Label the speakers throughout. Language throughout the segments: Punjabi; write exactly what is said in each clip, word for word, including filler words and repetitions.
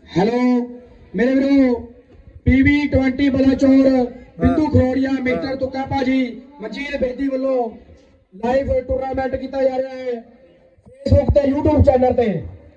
Speaker 1: हेलो मेरे वीरो पीवी ट्वेंटी बलाचौर बिंदु खरोड़िया मिस्टर तुक्का भाजी मजीद बेदी वालों लाइव टूर्नामेंट किया जा रहा है फेसबुक ते यूट्यूब चैनल ते।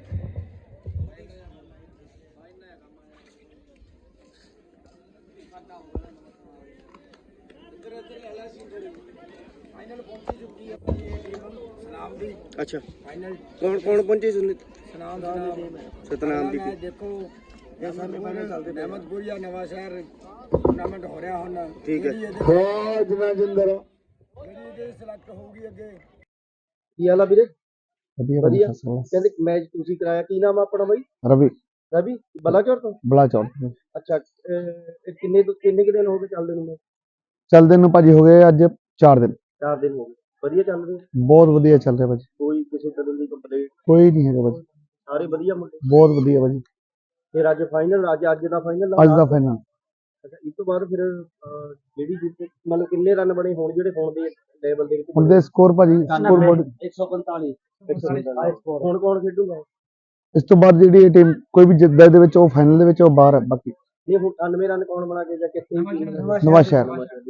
Speaker 2: अच्छा कौन कौन पहुंचे सतनाम दी
Speaker 3: देखो ये सामने फाइनल चलते अहमदपुर या नवा शहर टूर्नामेंट हो रहा होना
Speaker 2: ठीक है
Speaker 1: हाँ जिना जिंदर
Speaker 3: मेरी ਇਹਦੇ ਸਿਲੈਕਟ ਹੋਊਗੀ ਅੱਗੇ।
Speaker 2: ਕੀ ਹਾਲ ਆ ਵੀਰੇ?
Speaker 4: ਵਧੀਆ
Speaker 2: ਵਧੀਆ।
Speaker 4: ਵਧੀਆ
Speaker 2: ਕਹਿੰਦੇ ਮੈਚ ਤੁਸੀਂ ਕਰਾਇਆ, ਕੀ ਨਾਮ ਆ ਆਪਣਾ ਬਾਈ?
Speaker 4: ਰਵੀ
Speaker 2: ਰਵੀ ਬਲਾਚੌਰ ਤੋਂ।
Speaker 4: ਬਲਾਚੌਰ
Speaker 2: ਅੱਛਾ ਅਹ, ਇਹ ਕਿੰਨੇ ਤੋਂ ਕਿੰਨੇ ਕੁ ਦਿਨ ਹੋ ਗਏ ਚੱਲਦੇ ਨੂੰ?
Speaker 4: ਚੱਲਦੇ ਨੂੰ ਭਾਜੀ ਹੋ ਗਏ ਅੱਜ ਚਾਰ ਦਿਨ।
Speaker 2: ਚਾਰ ਦਿਨ ਹੋ ਗਏ। ਵਧੀਆ ਚੱਲ ਰਹੇ?
Speaker 4: ਬਹੁਤ ਵਧੀਆ ਚੱਲ ਰਿਹਾ ਭਾਜੀ,
Speaker 2: ਕੋਈ ਕਿਸੇ ਤਰ੍ਹਾਂ ਦੀ ਕੰਪਲੇਂਟ?
Speaker 4: ਕੋਈ ਨਹੀਂ ਹੈਗਾ ਭਾਜੀ,
Speaker 2: ਸਾਰੇ ਵਧੀਆ ਮੁੰਡੇ?
Speaker 4: ਬਹੁਤ ਵਧੀਆ ਭਾਜੀ।
Speaker 2: ਫਿਰ ਅੱਜ ਫਾਈਨਲ, ਅੱਜ ਅੱਜ ਦਾ ਫਾਈਨਲ?
Speaker 4: ਅੱਜ ਦਾ ਫਾਈਨਲ।
Speaker 2: ਅੱਛਾ ਇਸ ਤੋਂ ਬਾਅਦ ਫਿਰ ਅਹ, ਜਿਹੜੀ ਜਿੱਤ ਮਤਲਬ ਕਿੰਨੇ ਰਨ ਬਣੇ ਹੋਣ ਜਿਹੜੇ ਹੁਣ ਦੇ ਲੈਵਲ ਦੇ ਵਿੱਚ?
Speaker 4: ਹੁਣ ਦੇ ਸਕੋਰ ਭਾਜੀ ਸਕੋਰ ਬੋਰਡ
Speaker 2: ਇੱਕ ਸੌ ਪੰਤਾਲੀ। ਹੁਣ ਕੌਣ ਖੇਡੂਗਾ?
Speaker 4: ਇਸ ਤੋਂ ਬਾਅਦ ਜਿਹੜੀ ਇਹ ਟੀਮ ਕੋਈ ਵੀ ਜਿੱਤਦਾ ਇਹਦੇ ਵਿੱਚ ਉਹ ਫਾਈਨਲ ਦੇ ਵਿੱਚ ਉਹ ਬਾਹਰ ਹੈ। ਬਾਕੀ
Speaker 2: ਨਹੀਂ ਹੁਣ ਅਠਾਨਵੇਂ ਰਨ ਕੌਣ ਬਣਾ ਕੇ ਜਾਂ ਕਿੱਥੇ?
Speaker 4: ਨਵਾਂ ਸ਼ਹਿਰ।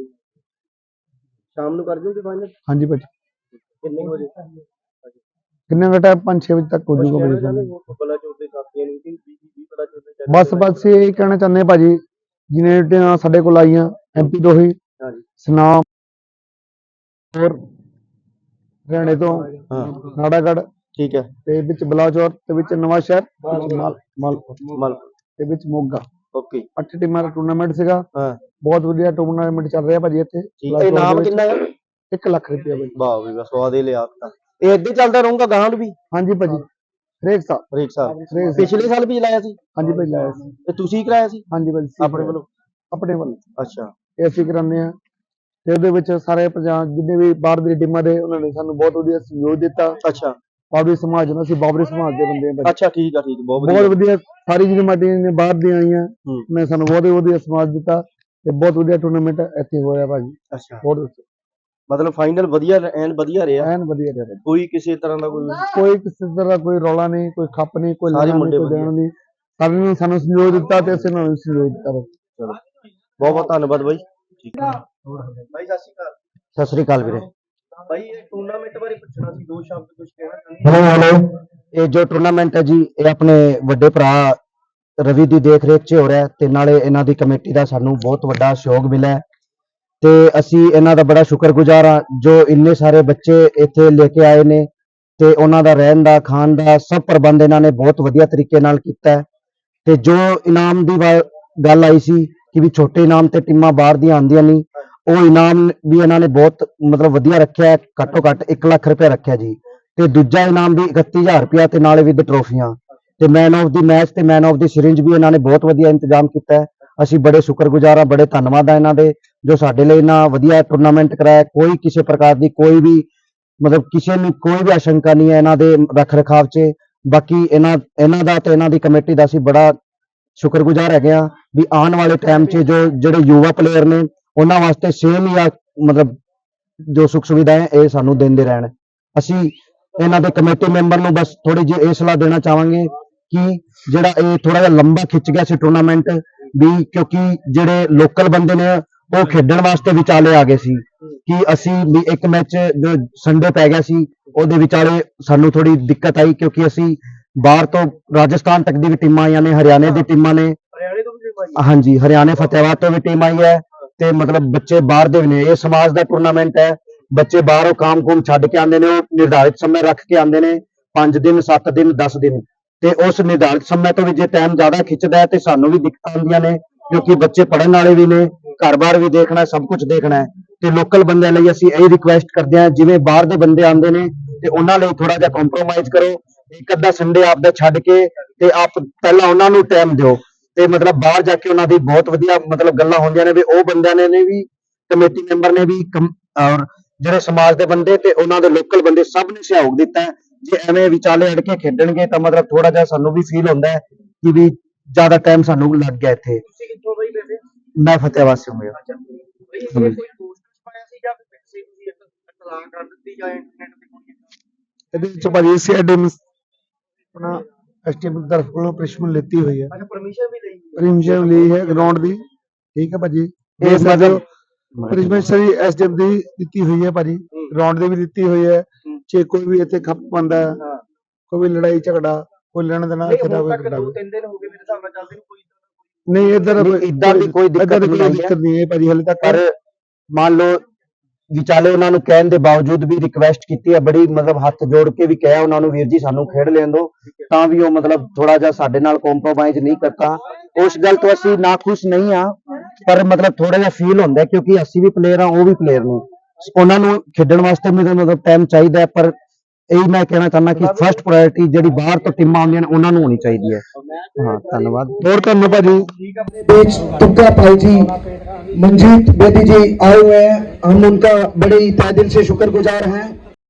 Speaker 2: ਸ਼ਾਮ ਨੂੰ ਕਰ ਜੂਗੇ ਫਾਈਨਲ?
Speaker 4: ਹਾਂਜੀ ਭਾਜੀ।
Speaker 2: ਕਿੰਨੇ ਵਜੇ?
Speaker 4: ਕਿੰਨੇ ਦਾ ਟਾਈਮ? ਪੰਜ ਛੇ ਵਜੇ ਤੱਕ ਹੋ ਜਾਊਗਾ ਭਾਜੀ final।
Speaker 2: ਬਲਾਚੌਰ ਦੇ ਸਾਥੀਆਂ ਨੂੰ ਕਿ ਵੀਹ ਬਲਾਚੌਰ ਦੇ
Speaker 4: ਬਸ ਬਸ ਇਹ ਕਹਿਣਾ ਚਾਹੁੰਦੇ ਹਾਂ ਭਾਜੀ, ਜਿਵੇਂ ਟੀਮਾਂ ਸਾਡੇ ਕੋਲ ਆਈਆਂ ਐਮਪੀ ਤੋਂ ਹੀ,
Speaker 2: ਹਾਂਜੀ
Speaker 4: ਸਨਾਮ ਹੋਰ ਹਰਿਆਣੇ ਤੋਂ ਨਾੜਾਗੜ
Speaker 2: ਠੀਕ ਹੈ
Speaker 4: ਤੇ ਵਿੱਚ ਬਲਾਚੌਰ ਤੇ ਵਿੱਚ ਨਵਾਂ ਸ਼ਹਿਰ ਮਾਲ ਮਾਲ
Speaker 2: ਮਲ
Speaker 4: ਤੇ ਵਿੱਚ ਮੋਗਾ।
Speaker 2: ਓਕੇ
Speaker 4: ਅੱਠ ਟੀਮਾਂ ਦਾ ਟੂਰਨਾਮੈਂਟ ਸੀਗਾ।
Speaker 2: ਹਾਂ
Speaker 4: ਬਹੁਤ ਵਧੀਆ ਟੂਰਨਾਮੈਂਟ ਚੱਲ ਰਿਹਾ ਭਾਜੀ ਇੱਥੇ।
Speaker 2: ਠੀਕ ਹੈ। ਇਨਾਮ ਕਿੰਨਾ ਹੈ?
Speaker 4: ਇੱਕ ਲੱਖ ਰੁਪਇਆ ਭਾਜੀ।
Speaker 2: ਵਾਹ ਵੀ ਬਸ ਸਵਾਦ ਹੀ ਲਿਆ ਤਾਂ ਇਹ ਇੱਦਾਂ ਚੱਲਦਾ ਰਹੂਗਾ ਗਾਹਾਂ ਨੂੰ ਵੀ?
Speaker 4: ਹਾਂਜੀ ਭਾਜੀ ਹਰੇਕ ਸਾਲ।
Speaker 2: ਹਰੇਕ ਸਾਲ?
Speaker 4: ਹਰੇਕ ਸਾਲ।
Speaker 2: ਪਿਛਲੇ ਸਾਲ ਵੀ ਲਾਇਆ ਸੀ?
Speaker 4: ਹਾਂਜੀ ਭਾਜੀ ਲਾਇਆ ਸੀ।
Speaker 2: ਤੇ ਤੁਸੀਂ ਕਰਾਇਆ ਸੀ
Speaker 4: ਹਾਂਜੀ ਭਾਜੀ
Speaker 2: ਆਪਣੇ ਵੱਲੋਂ?
Speaker 4: ਆਪਣੇ ਵੱਲੋਂ
Speaker 2: ਅੱਛਾ
Speaker 4: ਇਹ ਅਸੀਂ ਕਰਾਉਂਦੇ ਹਾਂ ਤੇ ਉਹਦੇ ਵਿੱਚ ਸਾਰੇ ਪੰਜਾਬ ਜਿੰਨੇ ਵੀ ਬਾਹਰ ਦੀਆਂ ਟੀਮਾਂ ਦੇ ਉਹਨਾਂ ਨੇ ਸਾਨੂੰ ਬਹੁਤ ਵਧੀਆ ਸਹਿਯੋਗ ਦਿੱਤਾ।
Speaker 2: ਅੱਛਾ
Speaker 4: ਬਾਬਰੀ ਸਮਾਜ ਨਾਲ, ਅਸੀਂ ਬਾਬਰੀ ਸਮਾਜ ਦੇ ਬੰਦੇ ਹਾਂ ਭਾਜੀ।
Speaker 2: ਅੱਛਾ ਠੀਕ ਆ ਠੀਕ ਆ, ਬਹੁਤ
Speaker 4: ਬਹੁਤ
Speaker 2: ਵਧੀਆ।
Speaker 4: ਵਧੀਆ ਸਾਰੀ ਜਿਹੜੀਆਂ ਟੀਮਾਂ ਨੇ ਬਾਹਰ ਦੀਆਂ ਆਈਆਂ
Speaker 2: ਹੂੰ।
Speaker 4: ਨੇ ਸਾਨੂੰ ਬਹੁਤ ਵਧੀਆ ਸਮਾਜ ਦਿੱਤਾ ਤੇ ਬਹੁਤ ਵਧੀਆ ਟੂਰਨਾਮੈਂਟ ਇੱਥੇ ਹੋਇਆ ਭਾਜੀ।
Speaker 2: ਅੱਛਾ
Speaker 4: ਬਹੁਤ
Speaker 2: ਮਤਲਬ ਫਾਈਨਲ ਵਧੀਆ ਐਨ ਵਧੀਆ ਰਿਹਾ?
Speaker 4: ਐਨ ਵਧੀਆ ਰਿਹਾ ਭਾਜੀ।
Speaker 2: ਕੋਈ ਕਿਸੇ ਤਰ੍ਹਾਂ ਦਾ ਕੋਈ?
Speaker 4: ਕੋਈ ਕਿਸੇ ਤਰ੍ਹਾਂ ਦਾ ਕੋਈ ਰੌਲਾ ਨਹੀਂ, ਕੋਈ ਖੱਪ ਨਹੀਂ, ਕੋਈ
Speaker 2: ਸਾਰੇ
Speaker 4: ਲੈਣਾ
Speaker 2: ਮੁੰਡੇ
Speaker 4: ਨਹੀਂ, ਕੋਈ
Speaker 2: ਵਧੀਆ।
Speaker 4: ਦੇਣਾ ਨਹੀਂ। ਸਾਰਿਆਂ ਨੇ ਸਾਨੂੰ ਸਹਿਯੋਗ ਦਿੱਤਾ ਤੇ ਅਸੀਂ ਉਹਨਾਂ ਨੂੰ ਸਹਿਯੋਗ ਦਿੱਤਾ ਭਾਜੀ।
Speaker 2: ਚਲੋ ਬਹੁਤ ਬਹੁਤ ਧੰਨਵਾਦ ਬਾਈ। ਠੀਕ ਹੈ ਬਾਈ, ਸਤਿ ਸ਼੍ਰੀ ਅਕਾਲ।
Speaker 4: ਸਤਿ ਸ੍ਰੀ ਅਕਾਲ ਵੀਰੇ।
Speaker 2: ਬਾਈ ਇਹ ਟੂਰਨਾਮੈਂਟ ਬਾਰੇ ਪੁੱਛਣਾ ਸੀ, ਦੋ ਸ਼ਬਦ ਕੁਝ ਕਹਿਣਾ ਚਾਹੁੰਦੇ?
Speaker 5: हेलो हेलो ये जो टूर्नामेंट है जी ये अपने ਵੱਡੇ ਭਰਾ ਰਵੀ ਦੀ ਦੇਖ ਰੇਖ 'ਚ ਹੋ ਰਿਹਾ ਤੇ ਨਾਲੇ ਇਹਨਾਂ ਦੀ ਕਮੇਟੀ ਦਾ ਸਾਨੂੰ ਬਹੁਤ ਵੱਡਾ ਸਹਿਯੋਗ ਮਿਲਿਆ ਤੇ ਅਸੀਂ ਇਹਨਾਂ ਦਾ ਬੜਾ ਸ਼ੁਕਰਗੁਜ਼ਾਰ ਹਾਂ ਜੋ ਇੰਨੇ ਸਾਰੇ ਬੱਚੇ ਇੱਥੇ ਲੈ ਕੇ ਆਏ ਨੇ ਤੇ ਉਹਨਾਂ ਦਾ ਰਹਿਣ ਦਾ ਖਾਣ ਦਾ ਸਭ ਪ੍ਰਬੰਧ ਇਹਨਾਂ ਨੇ ਬਹੁਤ ਵਧੀਆ ਤਰੀਕੇ ਨਾਲ ਕੀਤਾ ਹੈ। ਤੇ ਜੋ ਇਨਾਮ ਦੀ ਗੱਲ ਆਈ ਸੀ ਕਿ ਵੀ ਛੋਟੇ ਇਨਾਮ ਤੇ ਟੀਮਾਂ ਬਾਹਰ ਦੀਆਂ ਆਉਂਦੀਆਂ ਨਹੀਂ, ਉਹ ਇਨਾਮ ਵੀ ਇਹਨਾਂ ਨੇ ਬਹੁਤ ਮਤਲਬ ਵਧੀਆ ਰੱਖਿਆ। ਘੱਟੋ ਘੱਟ ਇੱਕ ਲੱਖ ਰੁਪਇਆ ਰੱਖਿਆ ਜੀ ਤੇ ਦੂਜਾ ਇਨਾਮ ਵੀ ਇਕੱਤੀ ਹਜ਼ਾਰ ਰੁਪਇਆ ਤੇ ਨਾਲੇ ਵਿਦ ਟਰੋਫੀਆਂ ਤੇ ਮੈਨ ਆਫ ਦੀ ਮੈਚ ਤੇ ਮੈਨ ਆਫ ਦੀ ਸਿਰਿੰਜ ਵੀ ਇਹਨਾਂ ਨੇ ਬਹੁਤ ਵਧੀਆ ਇੰਤਜ਼ਾਮ ਕੀਤਾ ਹੈ। ਅਸੀਂ ਬੜੇ ਸ਼ੁਕਰਗੁਜ਼ਾਰ ਹਾਂ, ਬੜੇ ਧੰਨਵਾਦ ਆ ਇਹਨਾਂ ਦੇ ਜੋ ਸਾਡੇ ਲਈ ਇਹਨਾਂ ਵਧੀਆ ਟੂਰਨਾਮੈਂਟ ਕਰਾਇਆ। ਕੋਈ ਕਿਸੇ ਪ੍ਰਕਾਰ ਦੀ ਕੋਈ ਵੀ ਮਤਲਬ ਕਿਸੇ ਨੂੰ ਕੋਈ ਵੀ ਆਸ਼ੰਕਾ ਨਹੀਂ ਹੈ ਇਹਨਾਂ ਦੇ ਰੱਖ ਰਖਾਵ 'ਚ। ਬਾਕੀ ਇਹਨਾਂ ਇਹਨਾਂ ਦਾ ਤੇ ਇਹਨਾਂ ਦੀ ਕਮੇਟੀ ਦਾ ਅਸੀਂ ਬੜਾ ਸ਼ੁਕਰਗੁਜ਼ਾਰ ਹੈਗੇ ਹਾਂ ਵੀ ਆਉਣ ਵਾਲੇ ਟਾਈਮ 'ਚ ਜੋ ਜਿਹੜੇ ਯੁਵਾ ਪਲੇਅਰ ਨੇ ਉਹਨਾਂ ਵਾਸਤੇ ਸੇਮ ਹੀ ਆ ਮਤਲਬ ਜੋ ਸੁੱਖ ਸੁਵਿਧਾ ਹੈ ਇਹ ਸਾਨੂੰ ਦਿੰਦੇ ਰਹਿਣ। ਅਸੀਂ ਇਹਨਾਂ ਦੇ ਕਮੇਟੀ ਮੈਂਬਰ ਨੂੰ ਬਸ ਥੋੜੀ ਜਿਹੀ ਇਹ ਸਲਾਹ ਦੇਣਾ ਚਾਹਾਂਗੇ ਕਿ ਜਿਹੜਾ ਇਹ ਥੋੜਾ ਜਿਹਾ ਲੰਬਾ ਖਿੱਚ ਗਿਆ ਸੀ ਟੂਰਨਾਮੈਂਟ ਵੀ, ਕਿਉਂਕਿ ਜਿਹੜੇ ਲੋਕਲ ਬੰਦੇ ਨੇ ਉਹ ਖੇਡਣ ਵਾਸਤੇ ਵਿਚਾਲੇ ਆ ਗਏ ਸੀ ਕਿ ਅਸੀਂ ਵੀ ਇੱਕ ਮੈਚ ਜੋ ਸੰਡੇ ਪੈ ਗਿਆ ਸੀ ਉਹਦੇ ਵਿਚਾਲੇ ਸਾਨੂੰ ਥੋੜੀ ਦਿੱਕਤ ਆਈ ਕਿਉਂਕਿ ਅਸੀਂ ਬਾਹਰ ਤੋਂ ਰਾਜਸਥਾਨ ਤੱਕ ਦੀ ਵੀ ਟੀਮਾਂ ਆਈਆਂ ਨੇ, ਹਰਿਆਣੇ ਦੀ ਟੀਮਾਂ ਨੇ।
Speaker 2: ਹਰਿਆਣੇ ਤੋਂ ਵੀ ਟੀਮ ਆਈ?
Speaker 5: ਹਾਂਜੀ ਹਰਿਆਣੇ ਫਤਿਹਾਬਾਦ ਤੋਂ ਵੀ ਟੀਮ ਆਈ ਹੈ ਤੇ ਮਤਲਬ ਬੱਚੇ ਬਾਹਰ ਦੇ ਵੀ ਨੇ। ਇਹ ਸਮਾਜ ਦਾ ਟੂਰਨਾਮੈਂਟ ਹੈ, ਬੱਚੇ ਬਾਹਰੋਂ ਕੰਮ ਕੁਮ ਛੱਡ ਕੇ ਆਉਂਦੇ ਨੇ, ਉਹ ਨਿਰਧਾਰਿਤ ਸਮੇਂ ਰੱਖ ਕੇ ਆਉਂਦੇ ਨੇ, ਪੰਜ ਦਿਨ ਸੱਤ ਦਿਨ ਦਸ ਦਿਨ ਤੇ ਉਸ ਨਿਰਧਾਰਿਤ ਸਮੇਂ ਤੋਂ ਵੀ ਜੇ ਟਾਈਮ ਜ਼ਿਆਦਾ ਖਿੱਚਦਾ ਹੈ ਤੇ ਸਾਨੂੰ ਵੀ ਦਿੱਕਤਾਂ ਆਉਂਦੀਆਂ ਨੇ ਕਿਉਂਕਿ ਬੱਚੇ ਪੜ੍ਹਨ ਵਾਲੇ ਵੀ ਨੇ, ਘਰ-ਬਾਰ ਵੀ ਦੇਖਣਾ, ਸਭ ਕੁਝ ਦੇਖਣਾ ਹੈ। ਤੇ ਲੋਕਲ ਬੰਦਿਆਂ ਲਈ ਅਸੀਂ ਇਹ ਰਿਕੁਐਸਟ ਕਰਦੇ ਹਾਂ ਜਿਵੇਂ ਬਾਹਰ ਦੇ ਬੰਦੇ ਆਉਂਦੇ ਨੇ ਤੇ ਉਹਨਾਂ ਲਈ ਥੋੜਾ ਜਿਹਾ ਕੰਪਰੋਮਾਈਜ਼ ਕਰੋ। ਇੱਕ ਅੱਧਾ ਸੰਡੇ ਆਪਦਾ ਛੱਡ ਕੇ ਤੇ ਆਪ ਪਹਿਲਾਂ ਉਹਨਾਂ ਨੂੰ ਟਾਈਮ ਦਿਓ ਤੇ ਮਤਲਬ ਬਾਹਰ ਜਾ ਕੇ ਉਹਨਾਂ ਦੀ ਬਹੁਤ ਵਧੀਆ ਮਤਲਬ ਗੱਲਾਂ ਹੁੰਦੀਆਂ ਨੇ ਵੀ ਉਹ ਬੰਦਿਆਂ ਨੇ ਨੇ ਵੀ ਕਮੇਟੀ ਮੈਂਬਰ ਨੇ ਵੀ ਔਰ ਜਿਹੜੇ ਸਮਾਜ ਦੇ ਬੰਦੇ ਤੇ ਉਹਨਾਂ ਦੇ ਲੋਕਲ ਬੰਦੇ ਸਭ ਨੇ ਸਹਿਯੋਗ ਦਿੱਤਾ ਹੈ। ਜੇ ਐਵੇਂ ਵਿਚਾਲੇ ਅੜ ਕੇ ਖੇਡਣਗੇ ਤਾਂ ਮਤਲਬ ਥੋੜਾ ਜਿਹਾ ਸਾਨੂੰ ਵੀ ਫੀਲ ਹੁੰਦਾ ਹੈ ਕਿ ਵੀ ਜ਼ਿਆਦਾ ਟਾਈਮ ਸਾਨੂੰ ਲੱਗ ਗਿਆ ਇੱਥੇ।
Speaker 2: ਤੁਸੀਂ ਕਿੱਥੋਂ ਬਾਈ ਵੈਸੇ?
Speaker 5: ਮੈਂ ਫਤਿਹਾਬਾਦ ਸੇ ਹੂੰ।
Speaker 2: ਅੱਛਾ ਬਾਈ ਇਹ ਕੋਈ ਪੋਸਟਰ ਪਾਇਆ ਸੀ ਜਾਂ ਵੈਸੇ ਤੁਸੀਂ ਇੱਕ ਇਤਲਾਹ ਕਰ ਦਿੱਤੀ ਜਾਂ ਇੰਟਰਨੈਟ ਤੇ ਕੋਈ ਕੀਤਾ?
Speaker 4: ਇਹਦੇ ਵਿੱਚ ਭਾਜੀ ਸੀ ਟੀਮ ਆਪਣਾ ਐਸਟੀਐਮ ਦੀ ਤਰਫ ਕੋਲੋਂ ਪਰਮਿਸ਼ਨ ਲਿੱਤੀ ਹੋਈ ਹੈ।
Speaker 2: ਅੱਛਾ ਪਰਮਿਸ਼ਨ ਵੀ ਲਈ
Speaker 4: ਪਰਮਿਸ਼ਨ ਲਈ ਹੈ ਗਰਾਊਂਡ ਦੀ, ਠੀਕ ਹੈ ਭਾਜੀ।
Speaker 5: ਇਹ
Speaker 4: ਇਹ
Speaker 5: ਮਤਲਬ
Speaker 4: ਪਰਮਿਸ਼ਨ ਸਾਰੀ ਐਸਟੀਐਮ ਦੀ ਦਿੱਤੀ ਹੋਈ ਹੈ ਭਾਜੀ, ਗਰਾਊਂਡ ਦੀ ਵੀ ਦਿੱਤੀ ਹੋਈ ਹੈ। ਜੇ ਕੋਈ ਵੀ ਇੱਥੇ ਖੱਪ ਪਾਉਂਦਾ ਹੈ,
Speaker 2: ਹਾਂ
Speaker 4: ਕੋਈ ਵੀ ਲੜਾਈ ਝਗੜਾ, ਕੋਈ ਲੈਣ ਦੇਣਾ
Speaker 2: ਨਹੀਂ
Speaker 4: ਇੱਥੇ ਦਾ
Speaker 2: ਹੁਣ
Speaker 4: ਕੋਈ
Speaker 2: ਤੱਕ
Speaker 4: ਕਰਦਾ
Speaker 2: ਦੋ ਤਿੰਨ ਦਿਨ ਹੋ ਗਏ ਮੇਰੇ ਹਿਸਾਬ ਨਾਲ ਚੱਲਦੇ ਨੂੰ ਕੋਈ
Speaker 4: ਨਹੀਂ। ਇੱਧਰ
Speaker 5: ਨਹੀਂ, ਇੱਦਾਂ ਦੀ ਕੋਈ ਦਿੱਕਤ
Speaker 4: ਇੱਦਾਂ ਦੀ
Speaker 5: ਨਹੀਂ
Speaker 4: ਕੋਈ
Speaker 5: ਆਈ ਹੈ।
Speaker 4: ਦਿੱਕਤ ਨਹੀਂ ਹੈ ਭਾਜੀ ਹਾਲੇ ਤੱਕ।
Speaker 5: ਪਰ ਮੰਨ ਲਓ ਵਿਚਾਲੇ ਉਹਨਾਂ ਨੂੰ ਕਹਿਣ ਦੇ ਬਾਵਜੂਦ ਵੀ ਰਿਕਵੈਸਟ ਕੀਤੀ ਹੈ, ਬੜੀ ਮਤਲਬ ਹੱਥ ਜੋੜ ਕੇ ਵੀ ਕਿਹਾ ਉਹਨਾਂ ਨੂੰ, ਵੀਰ ਜੀ ਸਾਨੂੰ ਖੇਡ ਲੈਣ ਦਿਓ, ਤਾਂ ਵੀ ਉਹ ਮਤਲਬ ਥੋੜਾ ਜਿਹਾ ਸਾਡੇ ਨਾਲ ਕੰਪਰੋਮਾਈਜ਼ ਨਹੀਂ ਕਰਤਾ। ਉਸ ਗੱਲ ਤੋਂ ਅਸੀਂ ਨਾਖੁਸ਼ ਨਹੀਂ ਆ, ਪਰ ਮਤਲਬ ਥੋੜਾ ਜਿਹਾ ਫੀਲ ਹੁੰਦਾ ਹੈ, ਕਿਉਂਕਿ ਅਸੀਂ ਵੀ ਪਲੇਅਰ ਆ, ਉਹ ਵੀ ਪਲੇਅਰ ਨੇ, ਉਹਨਾਂ ਨੂੰ ਖੇਡਣ ਵਾਸਤੇ ਮਤਲਬ ਟਾਈਮ ਚਾਹੀਦਾ ਹੈ। ਪਰ ਇਹੀ ਮੈਂ ਕਹਿਣਾ ਚਾਹੁੰਦਾ ਕਿ ਫਰਸਟ ਪ੍ਰਾਇੋਰਟੀ ਜਿਹੜੀ ਬਾਹਰ ਤੋਂ ਟੀਮਾਂ ਆਉਂਦੀਆਂ ਨੇ ਉਹਨਾਂ ਨੂੰ ਹੋਣੀ ਚਾਹੀਦੀ ਹੈ। ਹਾਂ ਧੰਨਵਾਦ।
Speaker 4: ਹੋਰ ਤੁਹਾਨੂੰ ਭਾਜੀ
Speaker 1: बीच तुक्का भाई जी मंजीत बेदी जी आए हुए हैं, हम उनका बड़े ही तहे दिल से शुक्रगुजार हैं।